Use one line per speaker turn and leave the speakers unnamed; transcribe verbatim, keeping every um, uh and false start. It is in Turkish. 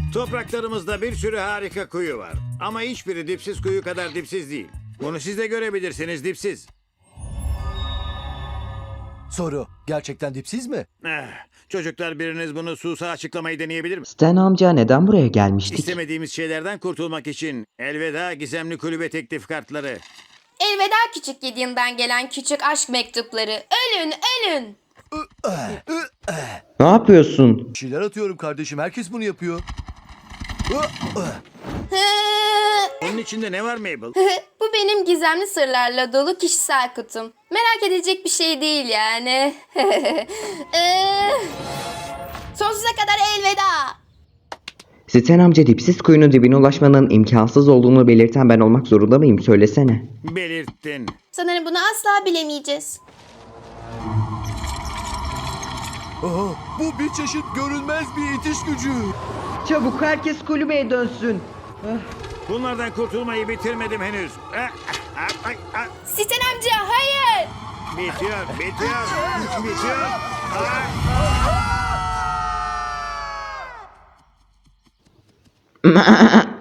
Topraklarımızda bir sürü harika kuyu var. Ama hiçbiri dipsiz kuyu kadar dipsiz değil. Bunu siz de görebilirsiniz, dipsiz.
Soru, gerçekten dipsiz mi?
Eh, çocuklar, biriniz bunu Susa açıklamayı deneyebilir mi?
Stan amca neden buraya gelmiştik?
İstemediğimiz şeylerden kurtulmak için elveda gizemli kulübe teklif kartları.
Elveda küçük yediğinden gelen küçük aşk mektupları. Ölün, ölün.
Ne yapıyorsun?
Bir şeyler atıyorum kardeşim, herkes bunu yapıyor.
Onun içinde ne var Mabel?
Bu benim gizemli sırlarla dolu kişisel kutum. Merak edilecek bir şey değil yani. Ee, Sonsuza kadar elveda.
Stan amca dipsiz kuyunun dibine ulaşmanın imkansız olduğunu belirten ben olmak zorunda mıyım? Söylesene.
Belirttin.
Sanırım bunu asla bilemeyeceğiz.
Aha, bu bir çeşit görünmez bir itiş gücü.
Çabuk herkes kulübeye dönsün.
Bunlardan kurtulmayı bitirmedim henüz. Ah, ah, ah, ah.
Siten amca hayır.
Bitiyor, bitiyor, bitiyor. Ah, ah.